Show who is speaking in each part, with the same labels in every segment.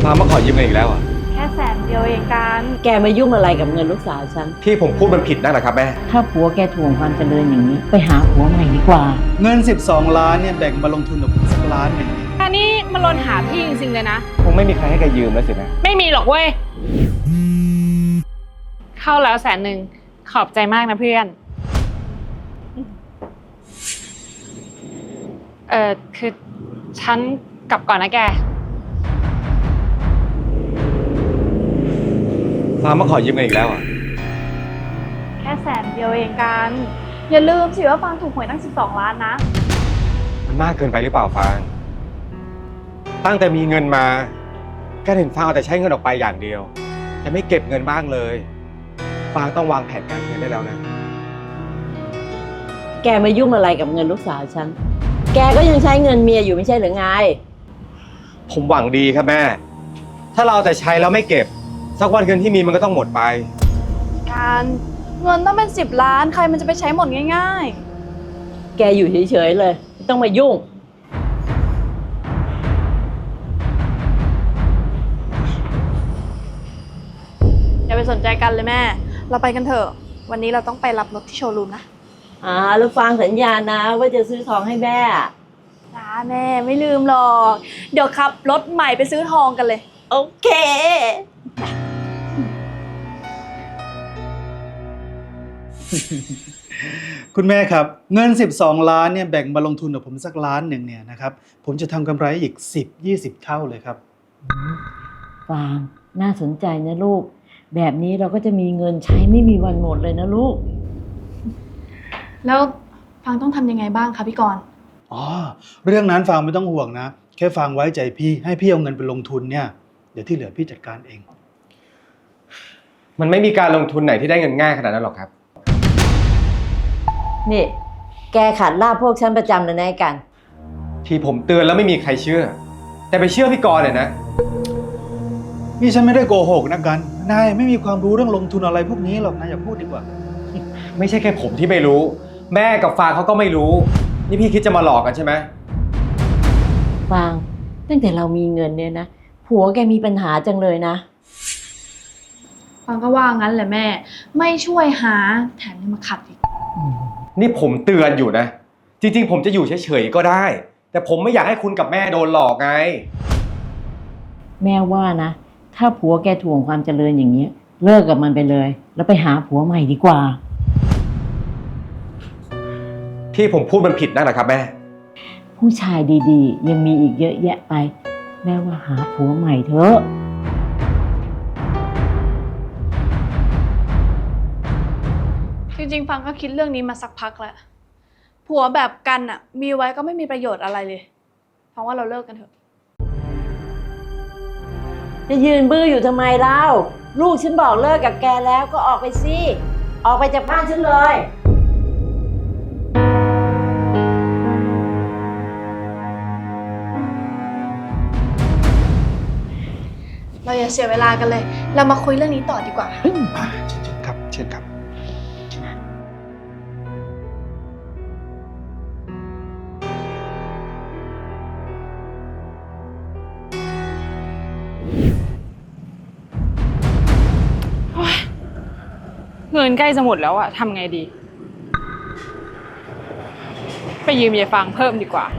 Speaker 1: ฟ้ามาขอยืมเงินอีกแล้วอ่ะ
Speaker 2: แค่100,000เองกัน
Speaker 3: แกมายุ่งอะไรกับเงินลูกสาวฉัน
Speaker 1: ที่ผมพูดมันผิดนั่นแหละครับแม่
Speaker 3: ถ้าผัวแกถ่วงความเจริญอย่างนี้ ไปหาผัวใหม่ดีกว่า
Speaker 4: เงิน12 ล้านเนี่ยแบ่งมาลงทุนกับผมสักล้านหนึ่ง
Speaker 2: อันนี้มันลนหาพี่จริงๆเลยนะ
Speaker 1: คงไม่มีใครให้แกยืมแล้วสินะ
Speaker 2: ไม่มีหรอกเว้ย เข้าแล้ว100,000ขอบใจมากนะเพื่อน คือฉันกลับก่อนนะแก
Speaker 1: ฟ้ามาขอยืมเงินอีกแล้วอ่ะ
Speaker 2: แค่100,000เองกัน อย่าลืมสิว่าฟางถูกหวยตั้ง12 ล้านนะ
Speaker 1: มันมากเกินไปหรือเปล่าฟางตั้งแต่มีเงินมาก็เห็นฟางเอาแต่ใช้เงินออกไปอย่างเดียวแต่ไม่เก็บเงินบ้างเลยฟางต้องวางแผนการเงินได้แล้วนะ
Speaker 3: แกมายุ่งอะไรกับเงินลูกสาวฉัน แกก็ยังใช้เงินเมียอยู่ไม่ใช่หรือไง
Speaker 1: ผมหวังดีครับแม่ถ้าเราแต่ใช้แล้วไม่เก็บสักวันเงินที่มีมันก็ต้องหมดไป
Speaker 2: การเงินต้องเป็น10 ล้านใครมันจะไปใช้หมดง่าย
Speaker 3: แกอยู่เฉยๆเลยไม่ต้องมายุ่ง
Speaker 2: ๆอย่าไปสนใจกันเลยแม่ เราไปกันเถอะ วันนี้เราต้องไปรับรถที่โชว์รูมนะ
Speaker 3: แล้วฟังสัญญานะว่าจะซื้อทองให้แม่
Speaker 2: จ้าแม่ไม่ลืมหรอก เดี๋ยวขับรถใหม่ไปซื้อทองกันเลย
Speaker 3: โอเค
Speaker 4: คุณแม่ครับเงิน12 ล้านเนี่ยแบ่งมาลงทุนกับผมสักล้านหนึ่งเนี่ยนะครับผมจะทำกำไรอีก10-20 เท่าเลยครับ
Speaker 3: ฟางน่าสนใจนะลูก แบบนี้เราก็จะมีเงินใช้ไม่มีวันหมดเลยนะลูก
Speaker 2: แล้วฟังต้องทำยังไงบ้างคะพี่กรณ์
Speaker 4: อ๋อเรื่องนั้นฟางไม่ต้องห่วงนะแค่ฟางไว้ใจพี่ให้พี่เอาเงินไปลงทุนเนี่ยเดี๋ยวที่เหลือพี่จัดการเอง
Speaker 1: มันไม่มีการลงทุนไหนที่ได้เงินง่ายขนาดนั้นหรอกครับ
Speaker 3: นี่ แกขัดลาบพวกฉันประจำเลยนะไอ้กัน
Speaker 1: ที่ผมเตือนแล้วไม่มีใครเชื่อ แต่ไปเชื่อพี่กรณ์เนี่ยนะ
Speaker 4: นี่ฉันไม่ได้โกหกนะกันนายไม่มีความรู้เรื่องลงทุนอะไรพวกนี้หรอกนะอย่าพูดดีกว่า
Speaker 1: ไม่ใช่แค่ผมที่ไม่รู้ แม่กับฟางเขาก็ไม่รู้ นี่พี่คิดจะมาหลอกกันใช่ไหม
Speaker 3: ฟางตั้งแต่เรามีเงินเนี่ยนะผัวแกมีปัญหาจังเลยนะ
Speaker 2: ฟังก็ว่างั้นแหละแม่ ไม่ช่วยหาแถมยังมาขัดอีก
Speaker 1: นี่ผมเตือนอยู่นะ จริงๆผมจะอยู่เฉยๆก็ได้ แต่ผมไม่อยากให้คุณกับแม่โดนหลอกไง
Speaker 3: แม่ว่านะถ้าผัวแกถ่วงความเจริญอย่างเงี้ยเลิกกับมันไปเลย แล้วไปหาผัวใหม่ดีกว่า
Speaker 1: ที่ผมพูดมันผิดนั่นแหละครับแม่
Speaker 3: ผู้ชายดีๆ ยังมีอีกเยอะแยะไป แม่ว่าหาผัวใหม่เถอะ
Speaker 2: จริงๆฟังก็คิดเรื่องนี้มาสักพักแล้ว ผัวแบบกันอ่ะ มีไว้ก็ไม่มีประโยชน์อะไรเลยฟังว่าเราเลิกกันเถอะ
Speaker 3: จะยืนบื้ออยู่ทำไมเล่าลูกฉันบอกเลิกกับแกแล้วก็ออกไปสิออกไปจากบ้านฉันเลย
Speaker 2: เราอย่าเสียเวลากันเลย เรามาคุยเรื่องนี้ต่อดีกว่า
Speaker 4: เชิญครับเชิญครับ
Speaker 2: เงินใกล้จะหมดแล้วอะทำไงดี ไปยืมยายฟังเพิ่มดีกว่า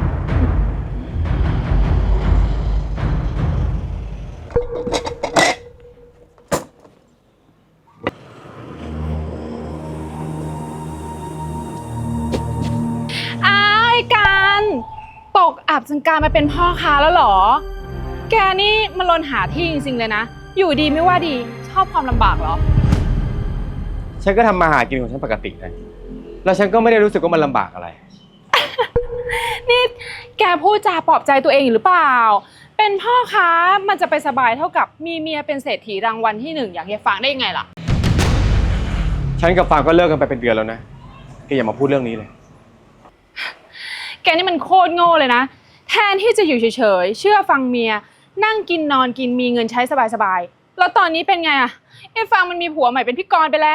Speaker 2: อ้าวไอ้การตกอับจนการมาเป็นพ่อค้าแล้วเหรอ แกนี่มันลนหาที่จริงๆเลยนะ อยู่ดีไม่ว่าดีชอบความลำบากเหรอ
Speaker 1: ฉันก็ทำมาหากินของฉันปกตินะแล้วฉันก็ไม่ได้รู้สึกว่ามันลำบากอะไร
Speaker 2: นี่แกพูดจาปลอบใจตัวเองอยู่หรือเปล่า เป็นพ่อค้ามันจะไปสบายเท่ากับมีเมียเป็นเศรษฐีรางวัลที่1อย่างยายฟังได้ยังไงล่ะ
Speaker 1: ฉันกับฟางก็เลิกกันไปเป็นเดือนแล้วนะแกอย่ามาพูดเรื่องนี้เลย
Speaker 2: แกนี่มันโคตรโง่เลยนะ แทนที่จะอยู่เฉยๆเชื่อฟังเมียนั่งกินนอนกินมีเงินใช้สบายๆแล้วตอนนี้เป็นไงอะไอ้ฟังมันมีผัวใหม่เป็นพี่กรณ์ไปแล้ว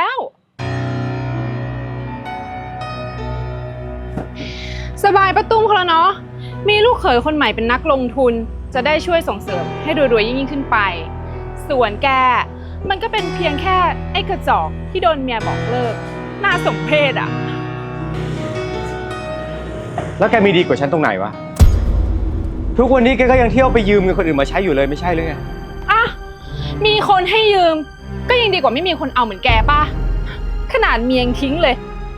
Speaker 2: สบายประตุ้มเขาแล้วเนาะมีลูกเขยคนใหม่เป็นนักลงทุนจะได้ช่วยส่งเสริมให้รวยๆยิ่งขึ้นไป ส่วนแกมันก็เป็นเพียงแค่ไอ้กระจอกที่โดนเมียบอกเลิกน่าสมเพชอ่ะ
Speaker 1: แล้วแกมีดีกว่าฉันตรงไหนวะ ทุกวันนี้แกก็ยังเที่ยวไปยืมเงินคนอื่นมาใช้อยู่เลยไม่ใช่หรือไง
Speaker 2: อ่ะ มีคนให้ยืมก็ยังดีกว่าไม่มีคนเอาเหมือนแกป่ะ ขนาดเมียยังทิ้งเลย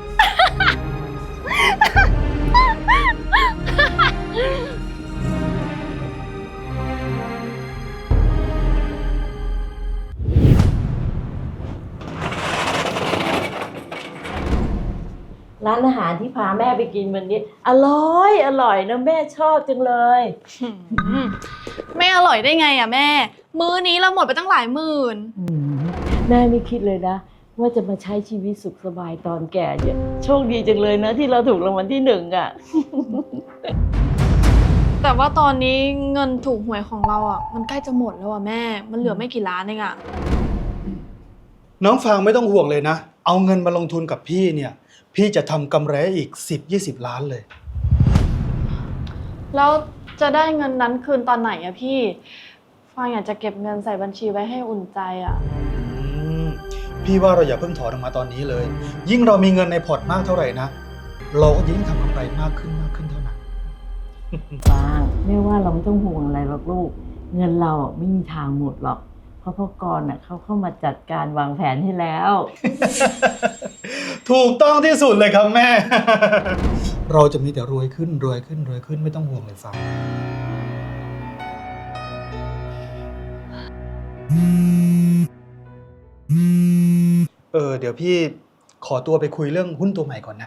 Speaker 3: ร้านอาหารที่พาแม่ไปกินวันนี้ อร่อยนะแม่ชอบจังเลย
Speaker 5: ไม่อร่อยได้ไงอ่ะแม่ มื้อนี้เราหมดไปตั้งหลายหมื่น
Speaker 3: แม่ไม่คิดเลยนะ ว่าจะมาใช้ชีวิตสุขสบายตอนแก่เนี่ยโชคดีจังเลยนะที่เราถูกรางวัลที่1อ่ะ
Speaker 5: แต่ว่าตอนนี้เงินถูกหวยของเราอ่ะมันใกล้จะหมดแล้วอ่ะแม่ มันเหลือไม่กี่ล้านเองอ่ะ
Speaker 4: น้องฟางไม่ต้องห่วงเลยนะ เอาเงินมาลงทุนกับพี่เนี่ย พี่จะทำกำไรอีก10-20 ล้านเลย
Speaker 5: แล้วจะได้เงินนั้นคืนตอนไหนอ่ะพี่ฟางอยากจะเก็บเงินใส่บัญชีไว้ให้อุ่นใจอ่ะ
Speaker 4: พี่ว่าเราอย่าเพิ่งถอนออกมาตอนนี้เลย ยิ่งเรามีเงินในพอร์ตมากเท่าไหร่นะ เราก็ยิ่งทำกำไรมากขึ้นเท่านั้น
Speaker 3: ฟางแม่ว่าเราไม่ต้องห่วงอะไรหรอกลูก เงินเราไม่มีทางหมดหรอก เพราะพ่อกรณ์เขาเข้ามาจัดการวางแผนให้แล้ว
Speaker 4: ถูกต้องที่สุดเลยครับแม่ เราจะมีแต่รวยขึ้นไม่ต้องห่วงเลยฟางเดี๋ยวพี่ขอตัวไปคุยเรื่องหุ้นตัวใหม่ก่อนนะ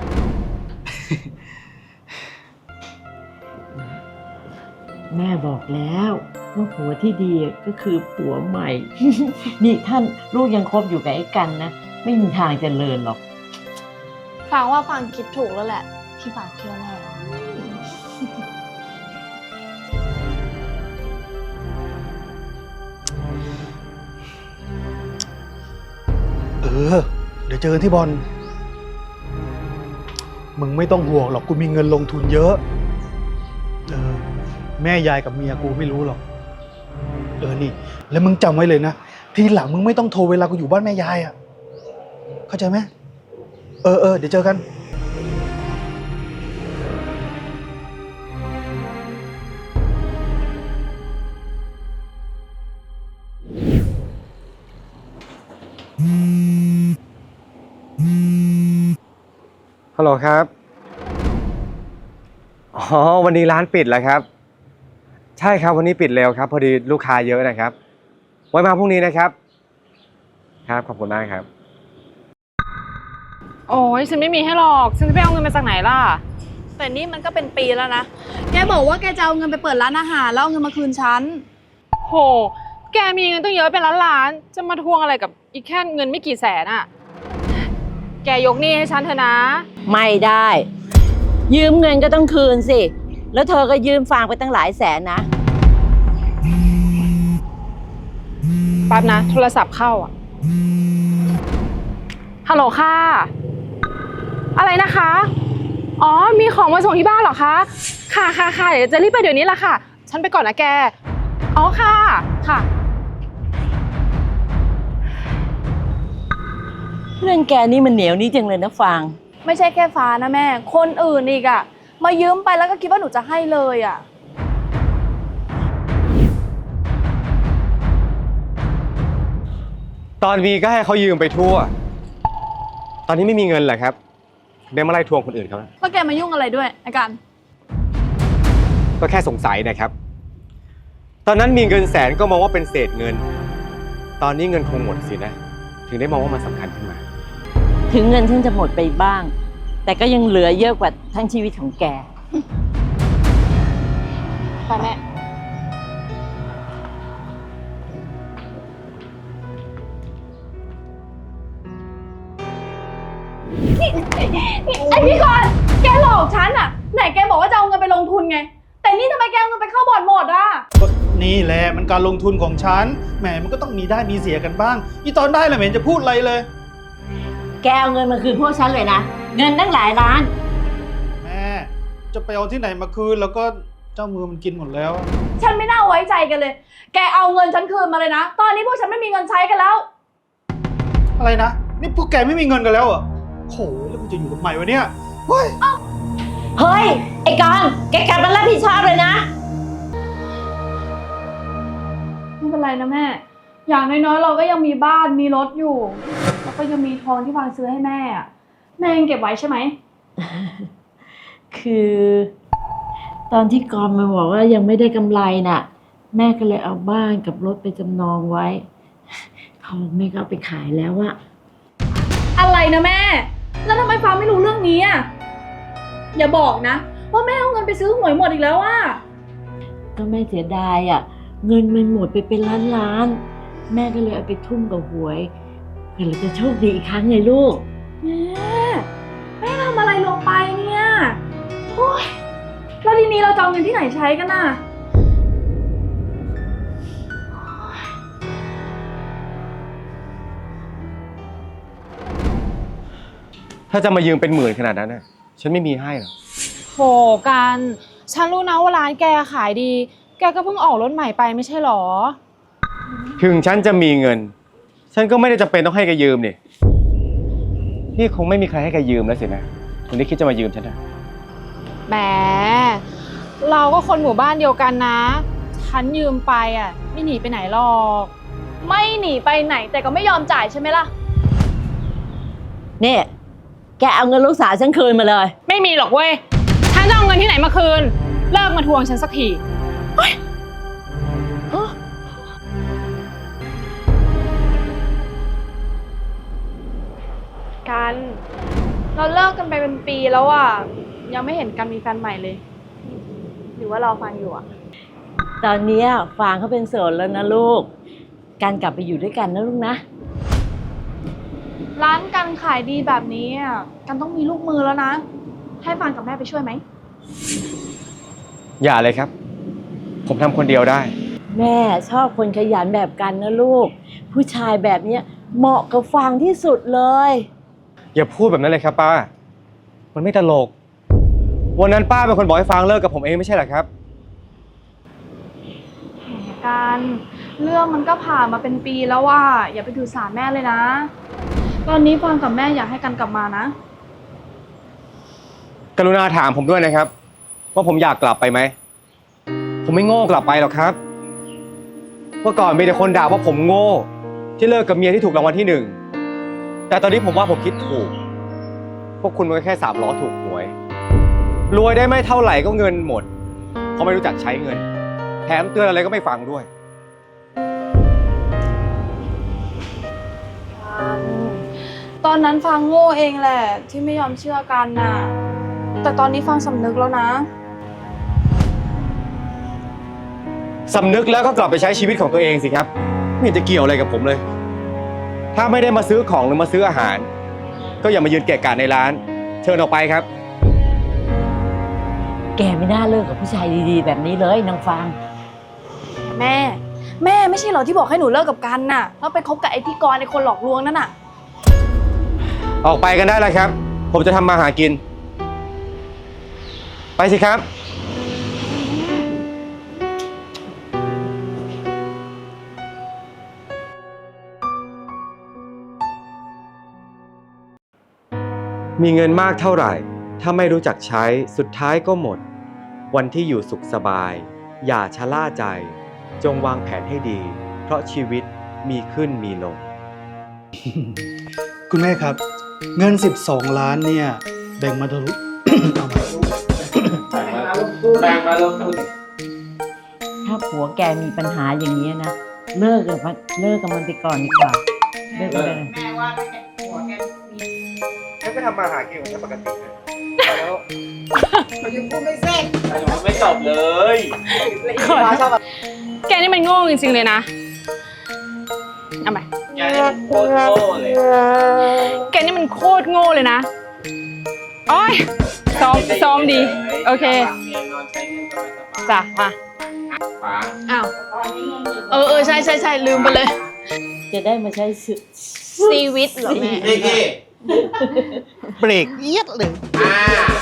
Speaker 3: แม่บอกแล้วว่าผัวที่ดีก็คือผัวใหม่ นี่ท่านลูกยังคบอยู่กับไอ้กันนะ ไม่มีทางเจริญหรอก
Speaker 5: ฟางว่าฟางคิดถูกแล้วแหละ ที่ฟางเชื่อแม่
Speaker 4: เดี๋ยวเจอกันที่บอล มึงไม่ต้องห่วงหรอกกูมีเงินลงทุนเยอะ แม่ยายกับเมียกูไม่รู้หรอก นี่ แล้วมึงจำไว้เลยนะ ทีหลังมึงไม่ต้องโทรเวลากูอยู่บ้านแม่ยายอ่ะ เข้าใจไหมเดี๋ยวเจอกัน
Speaker 1: ฮัลโหลครับ อ๋อ วันนี้ร้านปิดแล้วครับ ใช่ครับวันนี้ปิดเร็วครับ พอดีลูกค้าเยอะนะครับ ไว้มาพรุ่งนี้นะครับ ครับขอบคุณมากครับ
Speaker 2: โอ้ยฉันไม่มีให้หรอก ฉันจะไปเอาเงินมาจากไหนล่ะ
Speaker 5: แต่นี่มันก็เป็นปีแล้วนะ แกบอกว่าแกจะเอาเงินไปเปิดร้านอาหารแล้วเอาเงินมาคืนฉัน
Speaker 2: โห แกมีเงินตั้งเยอะเป็นล้านๆ จะมาทวงอะไรกับอีกแค่เงินไม่กี่แสนอะแกยกหนี้ให้ฉันเถอะนะ
Speaker 3: ไม่ได้ ยืมเงินก็ต้องคืนสิ แล้วเธอก็ยืมฟางไปตั้งหลายแสนนะ
Speaker 2: แป๊บนะ โทรศัพท์เข้าอ่ะ ฮัลโหลค่ะ อะไรนะคะ อ๋อ มีของมาส่งที่บ้านเหรอคะ ค่ะ เดี๋ยวจะรีบไปเดี๋ยวนี้แหละค่ะ ฉันไปก่อนนะแก อ๋อ ค่ะ
Speaker 3: เรื่องแกนี่มันเหนียวนี่จังเลยนะฟาง
Speaker 5: ไม่ใช่แค่ฟ้านะแม่ คนอื่นอีกอ่ะ มายืมไปแล้วก็คิดว่าหนูจะให้เลยอ่ะ
Speaker 1: ตอนมีก็ให้เขายืมไปทั่ว ตอนนี้ไม่มีเงินเหรอครับเดี๋ยวมาไล่ทวงคนอื่นเขานะ
Speaker 5: แล้วแกมายุ่งอะไรด้วยไอ้กัน
Speaker 1: ก็แค่สงสัยนะครับ ตอนนั้นมีเงินแสนก็มองว่าเป็นเศษเงิน ตอนนี้เงินคงหมดสินะ ถึงได้มองว่ามันสำคัญขึ้นมา
Speaker 3: ถึงเงินฉันจะหมดไปบ้าง แต่ก็ยังเหลือเยอะกว่าทั้งชีวิตของแก
Speaker 5: ไปแม่ ไอ้พี่กรณ์แกหลอกฉันอ่ะ ไหนแกบอกว่าจะเอาเงินไปลงทุนไง แต่นี่ทำไมแกเอาเงินไปเข้าบ่อนหมดอ่ะ
Speaker 4: ก็นี่แหละมันการลงทุนของฉัน แหมมันก็ต้องมีได้มีเสียกันบ้างอีตอนได้แหละไม่เห็นจะพูดอะไรเลย
Speaker 3: แกเอาเงินมาคืนพวกฉันเลยนะ เงินตั้งหลายล้าน
Speaker 4: แม่จะไปเอาที่ไหนมาคืนแล้วก็เจ้ามือมันกินหมดแล้ว
Speaker 5: ฉันไม่น่าไว้ใจกันเลย แกเอาเงินฉันคืนมาเลยนะ ตอนนี้พวกฉันไม่มีเงินใช้กันแล้ว
Speaker 4: อะไรนะ นี่พวกแกไม่มีเงินกันแล้วเหรอโหแล้วกูจะอยู่กับใหม่วะเนี่ยเฮ้ย
Speaker 3: เฮ้ย ไอ้กอนแกกลับมารับผิดชอบเลยนะ
Speaker 5: ไม่เป็นไรนะแม่ อย่างน้อยๆเราก็ยังมีบ้านมีรถอยู่ แล้วก็ยังมีทองที่วางซื้อให้แม่อะแม่ยังเก็บไว้ใช่ไหม
Speaker 3: คือ ตอนที่กอนมาบอกว่ายังไม่ได้กำไรน่ะ แม่ก็เลยเอาบ้านกับรถไปจำนองไว้ทองแม่ก็เอาไปขายแล้วอะ
Speaker 5: อะไรนะแม่ แล้วทำไมฟ้าไม่รู้เรื่องนี้อ่ะ อย่าบอกนะ ว่าแม่เอาเงินไปซื้อหวยหมดอีกแล้วอ่ะ
Speaker 3: ก็แม่เสียดายอะเงินมันหมดไปเป็นล้านๆแม่ก็เลยเอาไปทุ่มกับหวยเพื่อเราจะโชคดีอีกครั้งไงลูก
Speaker 5: แม่ทำอะไรลงไปเนี่ยโอ๊ยแล้วทีนี้เราจะเอาเงินที่ไหนใช้กันน่ะ
Speaker 1: ถ้าจะมายืมเป็นหมื่นขนาดนั้นน่ะฉันไม่มีให้หรอก
Speaker 2: โหกัน ฉันรู้นะว่าร้านแกขายดี แกก็เพิ่งออกรถใหม่ไปไม่ใช่หรอ
Speaker 1: ถึงฉันจะมีเงิน ฉันก็ไม่ได้จำเป็นต้องให้แกยืมนี่คงไม่มีใครให้แกยืมแล้วสินะคนที่คิดจะมายืมฉันนะ
Speaker 2: แหม เราก็คนหมู่บ้านเดียวกันนะ ฉันยืมไปอ่ะ ไม่หนีไปไหนหรอก
Speaker 5: ไม่หนีไปไหนแต่ก็ไม่ยอมจ่ายใช่ไหมล่ะ
Speaker 3: เนี่ย แกเอาเงินลูกสาวฉันคืนมาเลย
Speaker 2: ไม่มีหรอกเว้ย ฉันจะเอาเงินที่ไหนมาคืน เลิกมาทวงฉันสักที กัน เราเลิกกันไปเป็นปีแล้วอ่ะ ยังไม่เห็นกันมีแฟนใหม่เลย หรือว่าเราฟังอยู่อ่ะ
Speaker 3: ตอนเนี้ยฟางเขาเป็นโสดแล้วนะลูก การกลับไปอยู่ด้วยกันนะลูกนะ
Speaker 5: ร้านกันขายดีแบบนี้อ่ะกันต้องมีลูกมือแล้วนะ ให้ฟางกับแม่ไปช่วยไหม
Speaker 1: อย่าเลยครับ ผมทำคนเดียวได้
Speaker 3: แม่ชอบคนขยันแบบกันนะลูก ผู้ชายแบบเนี้ยเหมาะกับฟางที่สุดเลย
Speaker 1: อย่าพูดแบบนั้นเลยครับป้า มันไม่ตลก วันนั้นป้าเป็นคนบอกให้ฟางเลิกกับผมเองไม่ใช่เหรอครับ
Speaker 5: กันเรื่องมันก็ผ่านมาเป็นปีแล้วว่าอย่าไปถือสาแม่เลยนะ ตอนนี้ฟางกับแม่อยากให้กันกลับมานะ
Speaker 1: กรุณาถามผมด้วยนะครับ ว่าผมอยากกลับไปไหม ผมไม่โง่กลับไปหรอกครับเมื่อก่อนมีแต่คนด่าว่าผมโง่ ที่เลิกกับเมียที่ถูกรางวัลที่ 1 แต่ตอนนี้ผมว่าผมคิดถูก พวกคุณมันก็แค่3 ล้อถูกหวย รวยได้ไม่เท่าไหร่ก็เงินหมดเพราะไม่รู้จักใช้เงิน แถมเตือนอะไรก็ไม่ฟังด้วย
Speaker 5: ตอนนั้นฟางโง่เองแหละที่ไม่ยอมเชื่อกันน่ะ แต่ตอนนี้ฟางสำนึกแล้วนะ
Speaker 1: สำนึกแล้วก็กลับไปใช้ชีวิตของตัวเองสิครับ ไม่เห็นจะเกี่ยวอะไรกับผมเลย ถ้าไม่ได้มาซื้อของหรือมาซื้ออาหาร ก็อย่ามายืนเกะกะในร้าน เชิญออกไปครับ
Speaker 3: แกไม่น่าเลิกกับผู้ชายดีๆแบบนี้เลยนางฟาง
Speaker 5: แม่ไม่ใช่เหรอที่บอกให้หนูเลิกกับกันน่ะแล้วไปคบกับไอ้พี่กรณ์ไอ้คนหลอกลวงนั่นน่ะ
Speaker 1: ออกไปกันได้แล้วครับ ผมจะทำมาหากิน ไปสิครับ มีเงินมากเท่าไหร่ ถ้าไม่รู้จักใช้สุดท้ายก็หมด วันที่อยู่สุขสบาย อย่าชะล่าใจ จงวางแผนให้ดี เพราะชีวิตมีขึ้นมีลง
Speaker 4: คุณแม่ครับ เงิน12 ล้านเนี่ยแบ่งมาทะลุ เอามา
Speaker 1: แบ่งมาลงทุน
Speaker 3: ถ้าผัวแกมีปัญหาอย่างนี้ยนะ เลิกกับมันไปก่อนดีกว่า เลิกกันเลย
Speaker 1: ฉันก็ทำมาหากินของฉันปกติเลยแล้ว
Speaker 6: ไม่จบเลย
Speaker 2: แกนี่มันโง่จริงๆเลยนะ เอาไป
Speaker 6: แกนี่มันโคตรโง่เลย
Speaker 2: แกนี่มันโคตรโง่เลยนะโอ้ยซ้อมดี โอเค จ้ะ มา อ้าว ใช่ลืมไปเลย
Speaker 3: จะได้มาใช้ชี
Speaker 2: ชีวิตเหรอแม่
Speaker 6: นี่
Speaker 4: เบรกเอียดเลย
Speaker 6: อ่า